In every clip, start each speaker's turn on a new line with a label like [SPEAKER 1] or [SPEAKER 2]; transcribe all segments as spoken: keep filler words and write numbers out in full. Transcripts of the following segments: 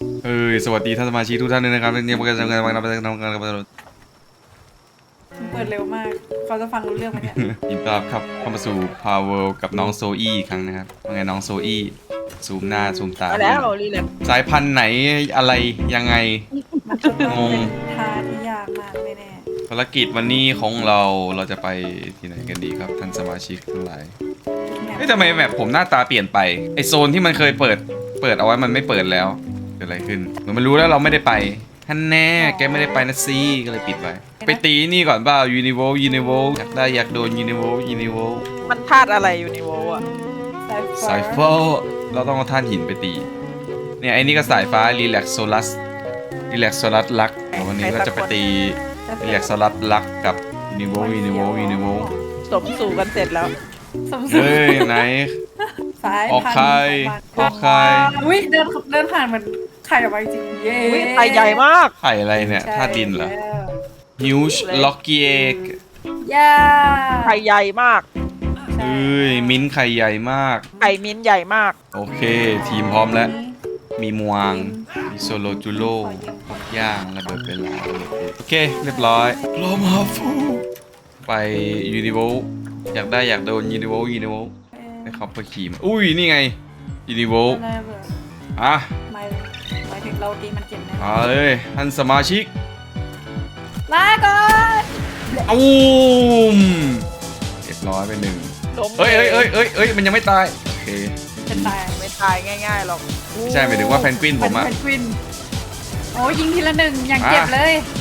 [SPEAKER 1] เอ้ยสวัสดีท่านสมาชิกทุกท่านเลยนะครับเนี่ยมากันทำงานมากันทำงานกันมา
[SPEAKER 2] เปิดเร็วมากเขาจะฟังรู้เรื่องไหมเนี่ย
[SPEAKER 1] ยินดีต้อนรับครับเข้ามาสู่ Power กับน้องโซอี้อีกครั้งนะครับว่าไงน้องโซอี้ซูมหน้าซูมตา
[SPEAKER 3] มาแล้วรีแลกซ์
[SPEAKER 1] สายพันธุ์ไหนอะไรยังไง
[SPEAKER 2] มันจะเป็น
[SPEAKER 1] งง
[SPEAKER 2] ท่าที่ยากมากแน่
[SPEAKER 1] ภารกิจวันนี้ของเราเราจะไปที่ไหนกันดีครับท่านสมาชิกทั้งหลาย
[SPEAKER 2] ๆ
[SPEAKER 1] เฮ้ยทำไมแบบผมหน้าตาเปลี่ยนไปไอโซนที่มันเคยเปิดเปิดเอาไว้มันไม่เปิดแล้วเกิดอะไรขึ้นเหมือนมันรู้แล้วเราไม่ได้ไปท่านแน่แกไม่ได้ไปนะซีก็เลยปิดไว้ไปตีนี่ก่อนเปล่ายูนิโวยูนิโวอยากได้อยากโดนยูนิโวยูนิโว
[SPEAKER 3] มันธาตุอะไรอยู่ในโวอ่ะ
[SPEAKER 1] สายฟ้าเราต้องเอาท่านหินไปตีเนี่ยไอ้นี่ก็สายฟ้ารีแลกโซลัสรีแลกโซลัสลักวันนี้ก็จะไปตีรีแลกโซลัสลักกับยูนิโวยูนิโวยูนิโว
[SPEAKER 3] สมสู่กันเสร็จแล้ว
[SPEAKER 2] สมศัก
[SPEAKER 1] เฮ้ย
[SPEAKER 2] ดิ์
[SPEAKER 1] ไหน
[SPEAKER 2] สาย
[SPEAKER 1] ออกใครออกใคร
[SPEAKER 2] อุ้ยเดินเดินผ่านเหมือนไข่ออกมาจริงเย้
[SPEAKER 3] อุ้ยไทยใหญ่มาก
[SPEAKER 1] ไข่อะไรเนี่ยธาตุดินเหรอ Huge Lucky Egg
[SPEAKER 2] ย่า
[SPEAKER 3] ไข่ใหญ่มาก
[SPEAKER 1] เอ้ยมิ้นท์ไข่ใหญ่มาก
[SPEAKER 3] ไข่มิ้นใหญ่มาก
[SPEAKER 1] โอเค ทีมพร้อมแล้ว มีมวางมีโซโลจูโร่ย่างระเบิดเวลาโอเค เรียบร้อยโลมาฟูไปยูนิโวอยากได้อยากโดนยูนิโวยูนิโวให้เขาไปขี่มาอุ้ย นี่ไงยูนิโว
[SPEAKER 2] อะไรเบิด
[SPEAKER 1] อ่ะ
[SPEAKER 2] ไม่หมายถึงเราตีมันเจ็บแน่
[SPEAKER 1] มาเลยท่านสมาชิก
[SPEAKER 2] ลาก่อน
[SPEAKER 1] อุ้มเรียบร้อยไปหนึ่ง
[SPEAKER 3] ล้ม
[SPEAKER 1] เอ้ยเอ้ยเอ้ยเอ้ยเอ้ยมันยังไม่ตาย โอเค
[SPEAKER 2] เป็นตาย
[SPEAKER 3] ไม่ตายง่ายๆหรอก
[SPEAKER 1] ไม่ใช่หมายถึงว่าแพนกวินผมอะ
[SPEAKER 2] เป็นควินโอ้ยิงทีละหนึ่งอย่างเจ็บเลย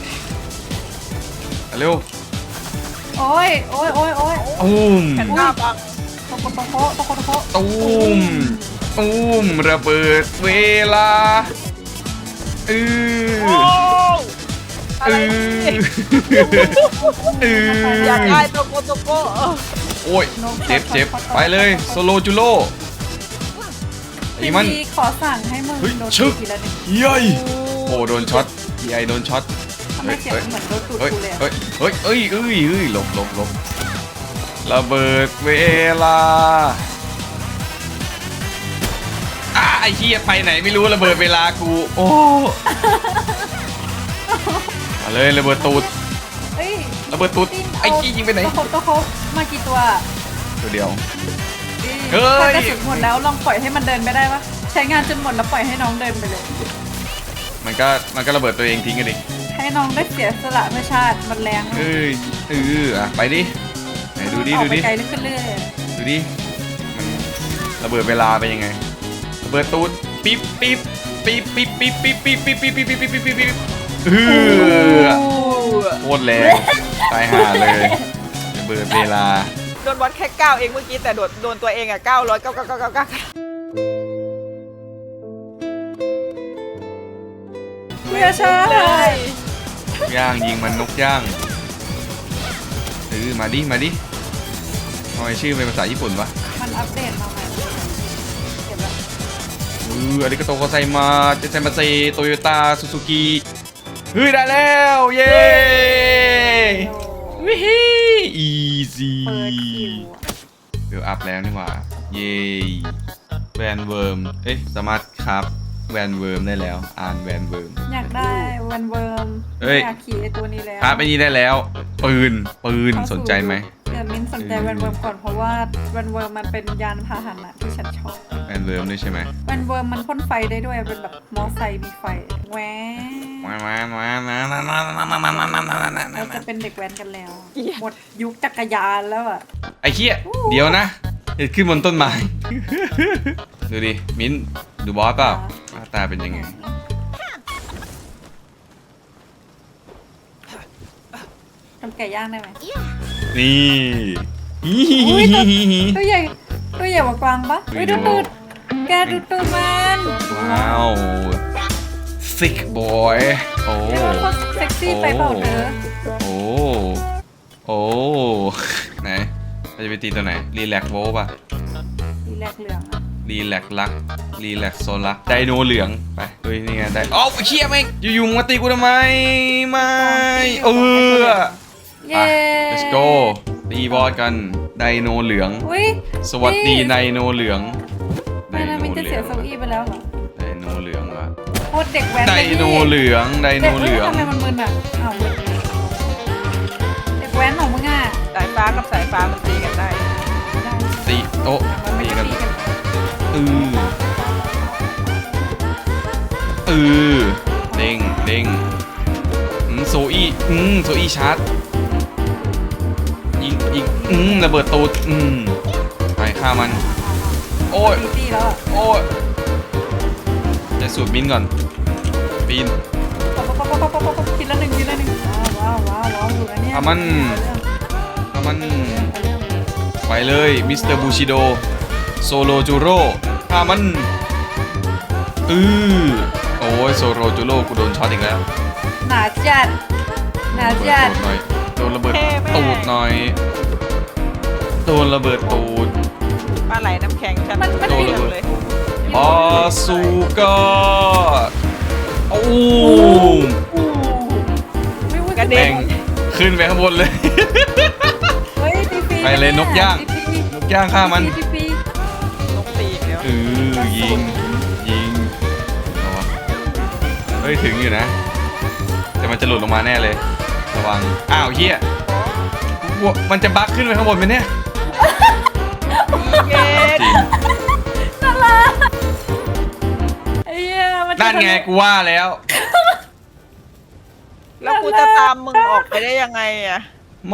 [SPEAKER 1] เร็ว
[SPEAKER 2] โอ้ยโอ้ยโอ้ยโอ้ย
[SPEAKER 1] อุ้ม
[SPEAKER 3] แผ่นหน้าบัง
[SPEAKER 2] โตโคโตโคโตโคโตโค
[SPEAKER 1] ตุ้มตุ้มระเบิดเวลาเออ
[SPEAKER 3] โอ้อะ
[SPEAKER 1] เอ
[SPEAKER 3] ไร
[SPEAKER 1] อ
[SPEAKER 3] นี่
[SPEAKER 1] เออ
[SPEAKER 3] อยากได้โตโกโตโกเออ
[SPEAKER 1] โอ้ยเจ็บเจ็บไปเลยโซโลจูโร่ไอ้มัน
[SPEAKER 2] พี่ขอสั่งให้มึง
[SPEAKER 1] เฮ้ย
[SPEAKER 2] โดน
[SPEAKER 1] ชึ
[SPEAKER 2] ตี
[SPEAKER 1] ก
[SPEAKER 2] ทีละหนึ่ง
[SPEAKER 1] เย้ยโอ้โดนช็อตไอโดนช็อต
[SPEAKER 2] ทำไมเสียงมันเหมือนโดนตูด
[SPEAKER 1] เฮ้ย
[SPEAKER 2] กูเลยอะ
[SPEAKER 1] เฮ้ยเฮ้ยเอ้ยเอ้ยเอ้ยหลบหลบหลบระเบิดเวลาอ่ะไอ้เหี้ยไปไหนไม่รู้ระเบิดเวลากูโอ้มาเลยระเบิดตูด
[SPEAKER 2] เฮ้ย
[SPEAKER 1] ระเบิดตูด
[SPEAKER 2] ตีน
[SPEAKER 1] ไอ้กี้ยิงไปไหน
[SPEAKER 2] โตโคโตโคมากี่ตัว
[SPEAKER 1] ตัวเดียว
[SPEAKER 2] นี่
[SPEAKER 1] เฮ้ย
[SPEAKER 2] ถ้ากระสุนหมดแล้วลองปล่อยให้มันเดินไปได้ปะใช้งานจนหมดแล้วปล่อยให้น้องเดินไปเลย
[SPEAKER 1] มันก็มันก็ระเบิดตัวเองทิ้งกันดิ
[SPEAKER 2] ให้น้องได้เสียสละเพื่อชาติมันแรง
[SPEAKER 1] เอ้ยเอออ่ะไปดิไหนดูดิ
[SPEAKER 2] ออ
[SPEAKER 1] ดู
[SPEAKER 2] กไป
[SPEAKER 1] ดิ
[SPEAKER 2] ไกลขึ้นเรื่อย
[SPEAKER 1] ดูดิมันระเบิดเวลาไปยังไงระเบิดตูดปิ๊บปิ๊บปิ๊บปิ๊บปิ๊บปิ๊บปิ๊บปิ๊บปิ๊บปิ๊บปิ๊บปิ๊บปิ๊บปิ๊บปิ๊บเออโคตรแรงตายห่าเลยระเบิดเวลา
[SPEAKER 3] โดนวัดแค่เก้าเองเมื่อกี้แต่โดนโดนตัวเองอ่ะเก้าร้อยเก้าเก้าเก้าเก้าเก้า
[SPEAKER 2] เพื่อชา
[SPEAKER 3] เล
[SPEAKER 2] ติ
[SPEAKER 3] ย
[SPEAKER 1] ย่างยิงมันนกย่างเออมาดิมาดิทำไมชื่อเป็นภาษาญี่ปุ่นวะ
[SPEAKER 2] มันอัปเดตมาใหม่เก็บแล้ว
[SPEAKER 1] เอออาริกาโตโกไซมาเจไซมาเซโตโยต้าซูซูกิเฮ้ยได้แล้วเย้วิฮีอีซี
[SPEAKER 2] เปิดคิว
[SPEAKER 1] เดี๋ยวอัพแล้วนี่หว่าเย้แวนเวิร์มเอ๊ะสามารถครับแวนเวิร์มได้แล้วอ่านแวนเวิร์ม
[SPEAKER 2] อยากได้วันเวิร์ม
[SPEAKER 1] เฮ้ย
[SPEAKER 2] อยากขี่ไอตัวนี้แล้ว
[SPEAKER 1] ครับไอ้นี่ได้แล้วปืนปืนสนใจไหม
[SPEAKER 2] เดี๋ยวมิ้นสนใจวันเวิร์มก่อนเพราะว่าวันเวิร์มมันเป็นยานพาหนะที่ฉันชอบ
[SPEAKER 1] แวนเวิร์มด้วยใช่ไหม
[SPEAKER 2] วันเวิร์มมันพ่นไฟได้ด้วยเป็นแบบมอไซค์มีไฟแหว
[SPEAKER 1] มามามามามามามามามามามามามา
[SPEAKER 2] เราจะเป็นเด็กแว้นกันแล้ว หมดยุคจักรยานแล้วอ่ะ
[SPEAKER 1] ไอ้เหี้ยเดี๋ยวนะเห็ดขึ้นบนต้นไม้ ดูดิมิ้นดูบอสเปล่าหน้าตาเป็นยังไง
[SPEAKER 2] ทำไก่ย่างได้ไหม
[SPEAKER 1] นี่
[SPEAKER 2] อุ้ยตัวตัวใหญ่ตัวใหญ่กว่ากวางปะอุ้ยดูตูดแกดูตูดมัน
[SPEAKER 1] ว้าว thick boy โอ้
[SPEAKER 2] เรียกว่าเขาเซ็กซี่ไปเปล่าเธอ
[SPEAKER 1] โอ้โอ้ไหนเราจะไปตีตัวไหนรีแลกโวป่ะ
[SPEAKER 2] สีแรกเหลืองอะ
[SPEAKER 1] รีแลกลักรีแลกโซลักไดโนเหลืองไปเฮ้ยนี่ไงไดโอ้เชี่ยไม่อยู่ๆมึงมาตีกูทำไมไม่เออ
[SPEAKER 2] เย้
[SPEAKER 1] อ่ะ let's go ตีบอสกันไดโนเหลือง
[SPEAKER 2] อุ้ย
[SPEAKER 1] สวัสดีไดโนเหลือง
[SPEAKER 2] ไม่นะมินจะเสียโซอี้ไปแล้วเหรอ
[SPEAKER 1] ไดโนเหลืองวะ
[SPEAKER 2] โคตรเด็กแว้น
[SPEAKER 1] ได
[SPEAKER 2] เลยพี่
[SPEAKER 1] โนเหลืองไดโนเหลือง
[SPEAKER 2] ทำไมมันมึนอ่ะอ้าวมึนเด็กแว้นของมึงอ่ะ
[SPEAKER 3] สายฟ้ากับสายฟ้ามันตีกันได้
[SPEAKER 2] ได้
[SPEAKER 1] ตีโต๊ะ
[SPEAKER 2] มันไม่
[SPEAKER 1] ตี
[SPEAKER 2] ได้
[SPEAKER 1] กัน
[SPEAKER 2] ตีกัน
[SPEAKER 1] เออเออเด้งเด้งอืมโซอี้อืมโซอี้ชาร์จยิงยิงอืมระเบิดตูดอืมไปฆ่ามัน โอ้ย
[SPEAKER 2] ตีตีแล้วอ่ะ
[SPEAKER 1] โอ้ยจะสูดมินก่อนปีน
[SPEAKER 2] ป๊อปป๊อปป๊อปป๊อปป๊อปป๊อปทีละหนึ่งทีละหนึ่งว้าวว้าวว้าวว้าวอยู่นะเนี่ย
[SPEAKER 1] เอามันเอามันไปเลยมิสเตอร์บูชิโดโซโลจูโร่ฆ่ามันอือโอ้ยโซโลจูโร่กูโดนช็อตอีกแล้ว
[SPEAKER 2] หนาจัดหนา
[SPEAKER 1] ระเบิ
[SPEAKER 2] จัด
[SPEAKER 1] ดตูดหน่อยโดนระเบิดตูดหน่อยโดนระเบิดตูด
[SPEAKER 3] ปลาไหลน้ำแข็งฉัน
[SPEAKER 2] มันมัน
[SPEAKER 1] โดน
[SPEAKER 2] มี
[SPEAKER 1] ระเบิด
[SPEAKER 3] เลย
[SPEAKER 1] ออซูก้าโอ้ม
[SPEAKER 2] อู้ไม่รู้
[SPEAKER 3] กระ
[SPEAKER 2] จะ
[SPEAKER 3] เด็
[SPEAKER 1] แม่
[SPEAKER 3] น
[SPEAKER 1] งขึ้นไปข้างบนเลย
[SPEAKER 2] เฮ้ยตีฟรี
[SPEAKER 1] ไปเลยนกย่าง
[SPEAKER 2] ตีฟรี
[SPEAKER 1] นกย่างฆ่ามัน
[SPEAKER 2] ตีฟรี
[SPEAKER 3] ลงตีอีกแล้ว
[SPEAKER 1] เออยิงยิงเอาวะเฮ้ยถึงอยู่นะแต่มันจะหลุดลงมาแน่เลยระวังอ้าวเฮียกลัวมันจะบั๊กขึ้นไปข้างบนไหมเนี่ย
[SPEAKER 3] เย็น
[SPEAKER 1] จริง
[SPEAKER 2] น่ารักไอ้เหี้ยมันจะ
[SPEAKER 1] นั่นไงกูว่าแล้ว
[SPEAKER 3] แล้วกูจะตามมึงออกไปได้ยังไงอ่ะ
[SPEAKER 1] ไม่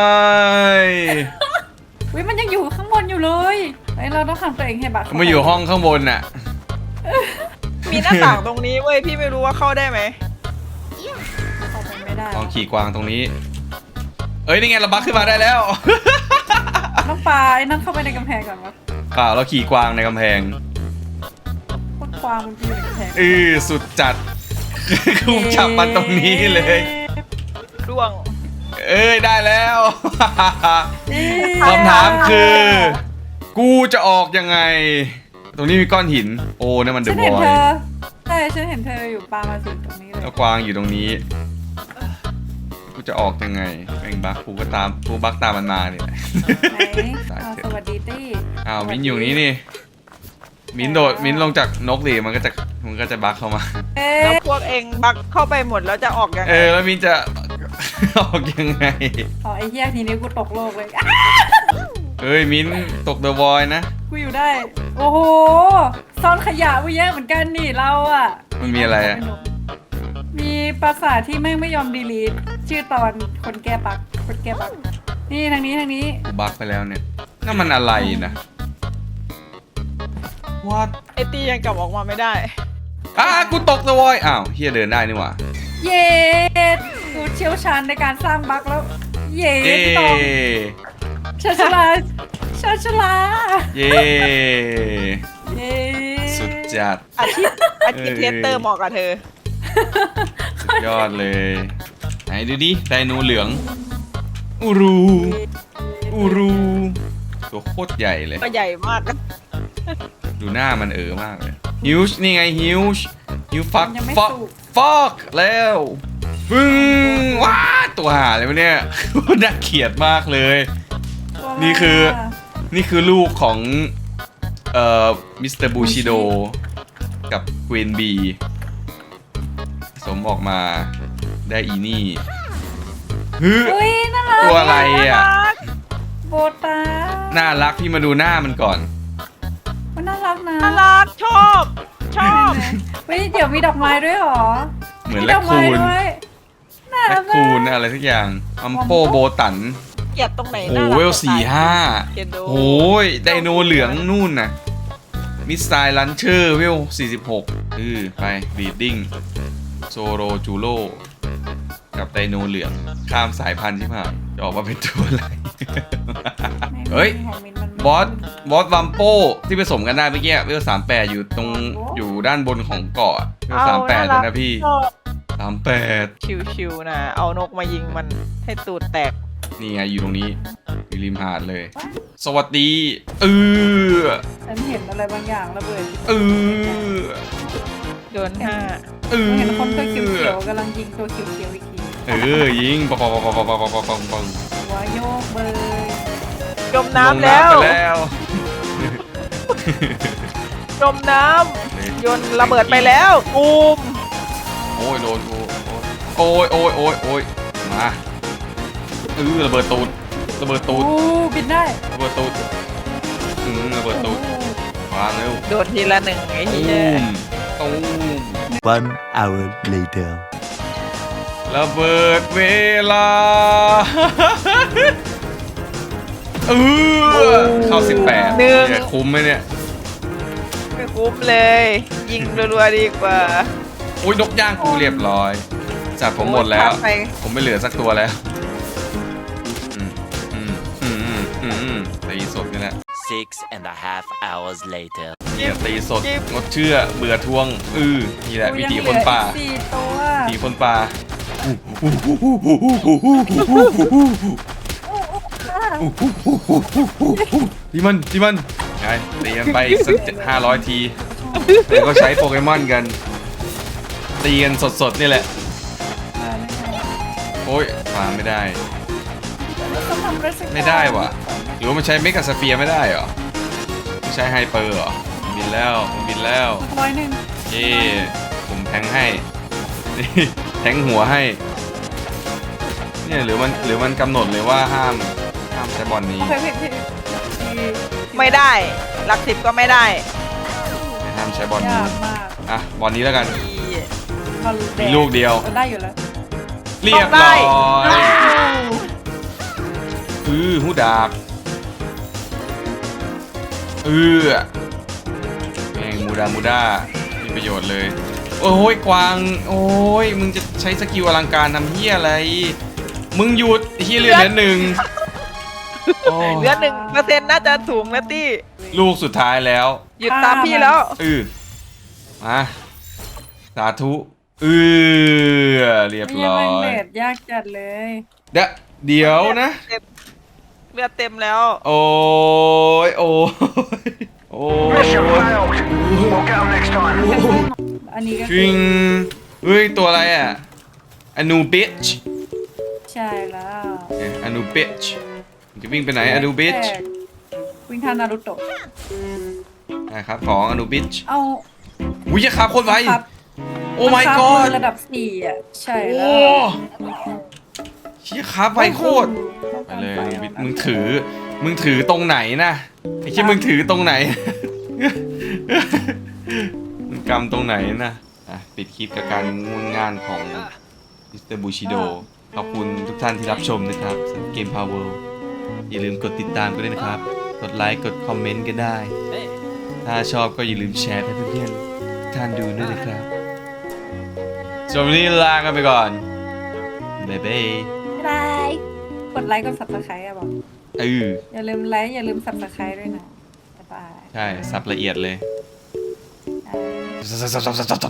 [SPEAKER 2] วิมันยังอยู่ข้างบนอยู่เลยไอ้ยเราต้องทำตัวเองให้บักเข้
[SPEAKER 1] มาอยู่ห้องข้างบนน่ะ
[SPEAKER 3] มีหน้าต่างตรงนี้เว้ยพี่ไม่รู้ว่าเข้าได้ไหม
[SPEAKER 2] เข้าไปไม่ได้
[SPEAKER 1] ลองขี่กวางตรงนี้ เอ้ยนี่ไงเราบั๊กขึ้นมาได้แล้ว
[SPEAKER 2] ต้องปลาไอ้นั่นเข้าไปในกำแพงก่อนวะ
[SPEAKER 1] เปล่าเราขี่กวางในกำแพง
[SPEAKER 2] พวกควางมันอยู่ในกำแพง
[SPEAKER 1] เออสุดจัด กูจับมันตรงนี้เลย
[SPEAKER 3] ร่วง
[SPEAKER 1] เอ้ยได้แล้ว
[SPEAKER 2] เอ๊ะ
[SPEAKER 1] คำถามคือ กูจะออกยังไง ตรงนี้มีก้อนหิน โอ้นั่นมันเด
[SPEAKER 2] ฉั
[SPEAKER 1] อะ
[SPEAKER 2] น
[SPEAKER 1] บ
[SPEAKER 2] เห็น
[SPEAKER 1] อ
[SPEAKER 2] เธ
[SPEAKER 1] ย
[SPEAKER 2] อใช่ฉันเห็นเธออยู่ปลามาถึงตรงนี้เลย
[SPEAKER 1] แล้วกวางอยู่ตรงนี้ กูจะออกยังไงแม่งบักกูก็ตามกูบักตามมันมาเนี่ย
[SPEAKER 2] ไหน
[SPEAKER 1] ตาย
[SPEAKER 2] อ้าว
[SPEAKER 1] เถอะ
[SPEAKER 2] สวัสดีตี้
[SPEAKER 1] อ้าวมิ้นอยู่นี่นี่ มิ้นโดดมิ้นลงจากนกดิมันก็จะมันก็จะบักเข้ามา
[SPEAKER 2] เอ๊
[SPEAKER 3] แล้ว
[SPEAKER 2] ะ
[SPEAKER 3] พวกเองบักเข้าไปหมดแล้วจะออกยัง
[SPEAKER 1] เอ
[SPEAKER 3] ไง
[SPEAKER 1] อแล้วมิ้นจะ ออกยังไง
[SPEAKER 2] อ๋อไอ้เหี้ยทีนี้กูตกโลกเลยอ่ะ
[SPEAKER 1] เฮ้ยมิ้นตกเดอะบอยนะ
[SPEAKER 2] กูอยู่ได้ โอ้โหซ่อนขยะไว้เยอะเหมือนกันนี่เราอ่ะ
[SPEAKER 1] มันมีอะไรอะ
[SPEAKER 2] มีปราสาทที่แม่งไม่ยอมดีลีทชื่อตอนคนแก้ปักคนแก้ปักนี่ทางนี้ทางนี้
[SPEAKER 1] กูบักไปแล้วเนี่ยนั่นมันอะไรนะ What
[SPEAKER 3] ไอตียังกลับออกมาไม่ได้
[SPEAKER 1] อ้ากูตกเดอะบอยอ้าวเฮียเดินได้นี่หว่า
[SPEAKER 2] เย้กูเชี่ยวชาญในการสร้างบักแล้ว เย้
[SPEAKER 1] เย้
[SPEAKER 2] พี่ตองชาชลาชาชลา
[SPEAKER 1] เย้
[SPEAKER 2] เย้
[SPEAKER 1] สุดจัด
[SPEAKER 3] อาชีพอาชีพ
[SPEAKER 1] เออ
[SPEAKER 3] เทสเตอร์เหมาะกับเธอ
[SPEAKER 1] สุดยอดเลย ไหนดูดิไดโนเหลือง อูรู อูรู ตัวโคตรใหญ่เลย
[SPEAKER 3] ก็ใหญ่มาก
[SPEAKER 1] ดูหน้ามันเออมากเลยฮิวช์นี่ไงฮิวช์ฮิวฟัก
[SPEAKER 2] ยังไม่
[SPEAKER 1] ฟัก
[SPEAKER 2] สุก
[SPEAKER 1] ฟักแล้วปึ้งว้าตัวหาเลยวะเนี่ย น่าเกลียดมากเลย
[SPEAKER 2] ตัว
[SPEAKER 1] นี่คือ
[SPEAKER 2] มา
[SPEAKER 1] นี่คือลูกของเอ่อมิสเตอร์บูชิโดกับควีนบีสมออกมาได้อีนี่ฮึ
[SPEAKER 2] เฮ้ยน่ารัก
[SPEAKER 1] ตัวอะไรอ่ะ
[SPEAKER 2] โบตา
[SPEAKER 1] น่ารักพี่มาดูหน้ามันก่อน
[SPEAKER 2] มันน่ารักนะ
[SPEAKER 3] น่ารักชอบ ชอบ
[SPEAKER 2] เฮ้ยเดี๋ยวมีดอกไม้ด้วยเหรอ
[SPEAKER 1] เหมือน
[SPEAKER 2] มี
[SPEAKER 1] แร
[SPEAKER 2] ด
[SPEAKER 1] ค
[SPEAKER 2] อกไม้
[SPEAKER 1] คูน
[SPEAKER 2] ด้วยน่า
[SPEAKER 1] แร
[SPEAKER 2] รั
[SPEAKER 1] ค
[SPEAKER 2] ก
[SPEAKER 1] คูน
[SPEAKER 2] มาก
[SPEAKER 1] อะไรสักอย่างอัมโป
[SPEAKER 2] อัมโป
[SPEAKER 1] โบตัน
[SPEAKER 3] เกลียดตรงไหน
[SPEAKER 1] โอ้
[SPEAKER 3] น่า
[SPEAKER 1] โห
[SPEAKER 3] รัก
[SPEAKER 1] เวลสี่ห้า
[SPEAKER 3] เกลียดดู
[SPEAKER 1] โอ้ยไดโนเหลืองนู่นน่ะมิสไซล์ลันเชอร์เวลสี่สิบหกเออไปบีดดิ้งโซโรจูโร่กับไดโนเหลืองข้ามสายพันธุ์ที่ผ่านจะออกมาเป็นตัวอะไร เฮ้ย
[SPEAKER 2] ของมินมันไม่
[SPEAKER 1] บอสบอสวัมโปที่ผสมกันได้เมื่อกี้เวลสามแปดอยู่ตรงอยู่ด้านบนของเกาะเวลสามแปดแล้วนะพี่
[SPEAKER 3] ชอบ
[SPEAKER 1] สามแปด
[SPEAKER 3] ชิวๆนะ เอานกมายิงมันให้ตูดแตก
[SPEAKER 1] นี่ไงอยู่ตรงนี้อยู่ริมหาดเลย สวัสดีเออ
[SPEAKER 2] ฉันเห็นอะไรบางอย่างระเบิด
[SPEAKER 1] เออ
[SPEAKER 3] โดนห้า
[SPEAKER 1] เออ
[SPEAKER 2] เห็นคนตัวเขียวๆกำลังยิงตัวเขียวๆอีกที
[SPEAKER 1] เออยิงปังปังปังปังปังปังปังปังปัง
[SPEAKER 2] หัวโยกเบย
[SPEAKER 3] จมน้ำแล้ว
[SPEAKER 1] ลงไปแล้ว
[SPEAKER 3] จมน้ำโยนระเบิดไปแล้วตูม
[SPEAKER 1] โอ้ยโดนกูโอ้ยโอ้ยโอ้ยโอ้ยมาเออระเบิดตูดระเบิดตู
[SPEAKER 2] โอ้
[SPEAKER 1] ด
[SPEAKER 2] บินได้
[SPEAKER 1] ระเบิดตูดอืมระเบิดตูดวางเร็ว
[SPEAKER 3] โดนทีละหนึ่งไอ้
[SPEAKER 1] ตู
[SPEAKER 3] เหี้ย
[SPEAKER 1] มตูม
[SPEAKER 4] One hour later.
[SPEAKER 1] ระเบิดเวลาเออเข้าสิบแปดเนี่ยคุ้มไหมเนี่ย
[SPEAKER 3] ไม่คุ้มเลย ยิงรัวๆดีกว่า
[SPEAKER 1] โอ้ยนกย่างกูเรียบร้อยจัดผมหมดแล้ว
[SPEAKER 3] ไป
[SPEAKER 1] ผมไม่เหลือสักตัวแล้วอืมอืมอืมอืมอืมอืมตีสดนี่แหละ
[SPEAKER 4] Six and a half hours later.
[SPEAKER 1] เนี่ยตีสดงดเชื่อเบื่อทวงอือนี่แหละวิถีคนป่า
[SPEAKER 2] ยังเหลืออีกสี่ตัว
[SPEAKER 1] วิถีคนป่าที่มันที่มันไงตีกันไปสักห้าร้อยทีแล้วก็ใช้โปเกมอนกันตีกันสดๆนี่แหละ
[SPEAKER 2] มาไม่ได้
[SPEAKER 1] โอ้ยมาไม่ได้
[SPEAKER 2] ต้องทำอะไรสักอย่าง
[SPEAKER 1] ไม่ได้วะหรือว่ามันใช้เมกาสเฟียร์ไม่ได้เหรอไม่ใช้ไฮเปอร์เหรอบินแล้วบินแล้ว
[SPEAKER 2] ร้อยหนึ่ง
[SPEAKER 1] เย่ผมแทงให้ นี่แทงหัวให้เนี่ยหรือมันหรือมันกำหนดเลยว่าห้ามห้ามใช้บอลนี้
[SPEAKER 2] โอเคพี่พี่พี่
[SPEAKER 3] ไม่ได้หลักสิบก็ไม่ได้
[SPEAKER 1] ห้ามใช้บอลนี้
[SPEAKER 2] ยากมาก
[SPEAKER 1] อ่ะบอลนี้แล้วกัน
[SPEAKER 3] อี
[SPEAKER 2] บอลแดง
[SPEAKER 1] มีลูกเดียว
[SPEAKER 2] ออได้อยู่แล้ว
[SPEAKER 1] เรียบร้อยอือหูดาบอือแม่งมูดามูดามีประโยชน์เลย โอ้ยกวางโอ้ยมึงจะใช้สกิลอลังการทำเฮียอะไร มึงหยุดเฮียเหลือเหลือหนึ่งโอ้ย
[SPEAKER 3] เหลือหนึ่งเปอร์เซ็นต์น่าจะสูงนะตี้
[SPEAKER 1] ลูกสุดท้ายแล้ว
[SPEAKER 3] หยุดตามพี่แล้ว
[SPEAKER 1] อือมาสาธุเออเรียบ
[SPEAKER 2] ไม่
[SPEAKER 1] ร้อ
[SPEAKER 2] แม่ง
[SPEAKER 1] ย
[SPEAKER 2] เด็ดยากจัดเลย
[SPEAKER 1] เดี๋ยวเดี๋ยวนะ
[SPEAKER 3] เต็มเลือดเต็มแล้ว
[SPEAKER 1] โอ้ยโอ้ยโอ้ย
[SPEAKER 2] อันนี้ก็
[SPEAKER 1] จริงเฮ้ย ตัวอะไรอ่ะอนูบิช
[SPEAKER 2] ใช่แล้ว
[SPEAKER 1] อนูบิชจะวิ่งไปไหนอนูบิช
[SPEAKER 2] วิ่งทานนารูโตะ
[SPEAKER 1] นะครับของอนูบิช
[SPEAKER 2] เอา
[SPEAKER 1] อุ้ยจะขาโคตรไว
[SPEAKER 2] ครับ
[SPEAKER 1] โอ้ my
[SPEAKER 2] บังคับ
[SPEAKER 1] god
[SPEAKER 2] มือระดับสี่อ่ะ ใช่
[SPEAKER 1] โอ้
[SPEAKER 2] แล้ว
[SPEAKER 1] เชี่ยขาไวโคตรไปเลยอนูบิชมึงถือ มึงถือตรงไหนนะไอ้เชี่ยมึงถือตรงไหน มึงกำตรงไหนนะอ่ะปิดคลิปกับการงุนงานของมิสเตอร์บูชิโดขอบคุณทุกท่านที่รับชมนะครับสำหรับเกม Power อย่าลืมกดติดตามกันด้วยนะครับ กดไลค์กดคอมเมนต์กันได้ ถ้าชอบก็อย่าลืมแชร์ให้เพื่อนๆทุกท่านดูด้วยนะครับสำหรับวันนี้ลากันไปก่อนบ๊ายบาย
[SPEAKER 2] บายกดไลค์กด subscribe อ่ะบอก
[SPEAKER 1] เออ
[SPEAKER 2] อย่าลืมไลค์อย่าลืม subscribe ด้วยนะบ๊ายบาย
[SPEAKER 1] ใช่สับละเอียดเลย
[SPEAKER 2] อ่า